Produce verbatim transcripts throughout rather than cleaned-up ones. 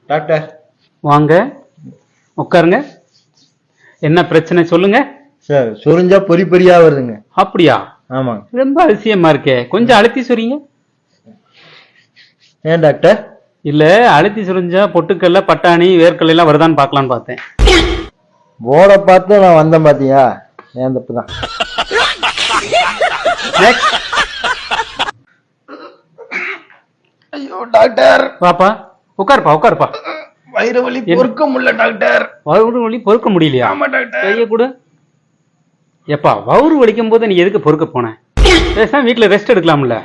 Doctor வாங்க உட்காருங்க. என்ன பிரச்சனை சொல்லுங்க சார். சொரிஞ்சா பொறி பொறியா வருதுங்க. அப்படியா? ஆமாங்க. ரொம்ப அதிசயமா இருக்கே, கொஞ்சம் அழுத்தி சொறீங்க. ஏன் டாக்டர்? இல்ல, அழுத்தி சொரிஞ்சா பொட்டுக்கல்ல பட்டாணி வேர்க்கல்ல எல்லாம் வருதான்னு பாக்கலான்னு பார்த்தேன். போட பார்த்து நான் வந்தேன் பாத்தியா, ஏன் தப்புதான். ஐயோ டாக்டர். பாப்பா உட்காருப்பா உட்காருப்பா. வயிறு வலி பொறுக்க முடியல டாக்டர். வயிறு வலி பொறுக்க முடியலையா? ஆமா டாக்டர். கைய கொடு. எப்பா வயிறு வலிக்கும் போது நீ எதுக்கு பொறுக்க போன? பேசாம வீட்டுல ரெஸ்ட் எடுக்கலாம்ல.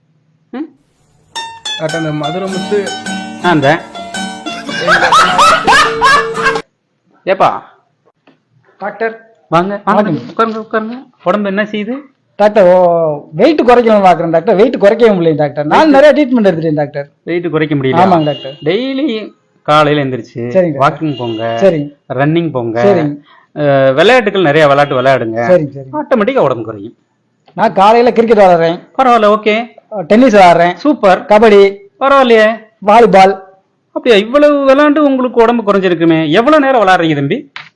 டாக்டர் அந்த மதுரை முத்து அந்த ஏப்பா டாக்டர் வாங்க வாங்க உட்காருங்க உட்காருங்க. உடம்பு என்ன செய்யுது? டாக்டர் வெயிட் குறைக்கணும் பாக்குறேன் டாக்டர். வெயிட் குறைக்கவே முடியல டாக்டர். நான் நிறைய ட்ரீட்மெண்ட் எடுத்துட்டேன் டாக்டர். வெயிட் குறைக்க முடியல? ஆமாங்க டாக்டர். டெய்லி காலையில எந்திரிச்சு சரிங்க வாக்கிங் போங்க, சரிங்க, ரன்னிங் போங்க, சரிங்க, விளையாட்டுகள் நிறைய விளையாட்டு விளையாடுங்க. சரிங்க சரிங்க. ஆட்டோமேட்டிக்கா உடம்பு குறையும். நான் காலையில கிரிக்கெட் விளையாடுறேன். பரவாயில்ல, ஓகே. டென்னிஸ் விளையாடுறேன். சூப்பர். கபடி. பரவாயில்லையே. வாலிபால். அப்படியா? இவ்வளவு விளையாண்டு உங்களுக்கு உடம்பு குறைஞ்சிருக்குமே. எவ்வளவு நேரம் விளையாடுறீங்க தம்பி?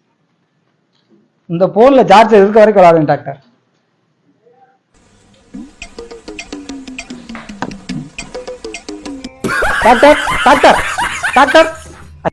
இந்த போன்ல சார்ஜ் இருக்க வரைக்கும் விளையாடுறேன் டாக்டர். Doctor doctor doctor